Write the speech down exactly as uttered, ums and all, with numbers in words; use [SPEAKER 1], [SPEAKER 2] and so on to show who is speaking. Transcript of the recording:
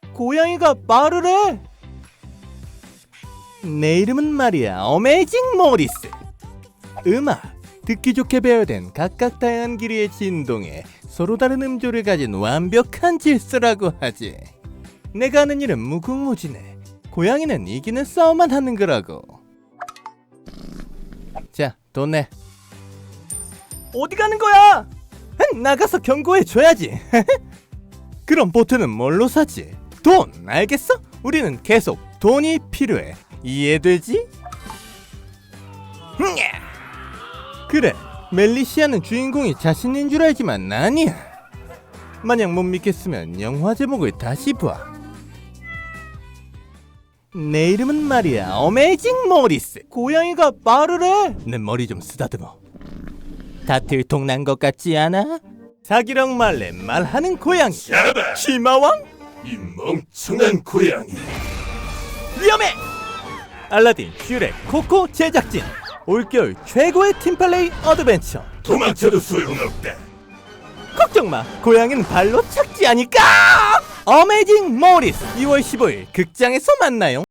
[SPEAKER 1] 고양이가 말을 해. 내 이름은 말이야 어메이징 모리스. 음악, 듣기 좋게 배열된 각각 다양한 길이의 진동에 서로 다른 음조를 가진 완벽한 질서라고 하지. 내가 하는 일은 무궁무진해. 고양이는 이기는 싸움만 하는 거라고. 자, 돈 내. 어디 가는 거야? 나가서 경고해줘야지. 그럼 보트는 뭘로 사지? 돈, 알겠어? 우리는 계속 돈이 필요해. 이해되지? 그래, 멜리시아는 주인공이 자신인 줄 알지만 아니야. 만약 못 믿겠으면 영화 제목을 다시 봐. 내 이름은 말이야 어메이징 모리스. 고양이가 말을 해. 내 머리 좀 쓰다듬어. 다 들통난 것 같지 않아? 사기령 말래 말하는 고양이.
[SPEAKER 2] 샤바!
[SPEAKER 1] 치마왕?
[SPEAKER 2] 이 멍청한 고양이.
[SPEAKER 1] 위험해! 알라딘, 슈렉, 코코 제작진. 올겨울 최고의 팀플레이 어드벤처.
[SPEAKER 2] 도망쳐도 소용없다.
[SPEAKER 1] 걱정마, 고양이는 발로 착지하니까. 어메이징 모리스 이월 십오일 극장에서 만나요.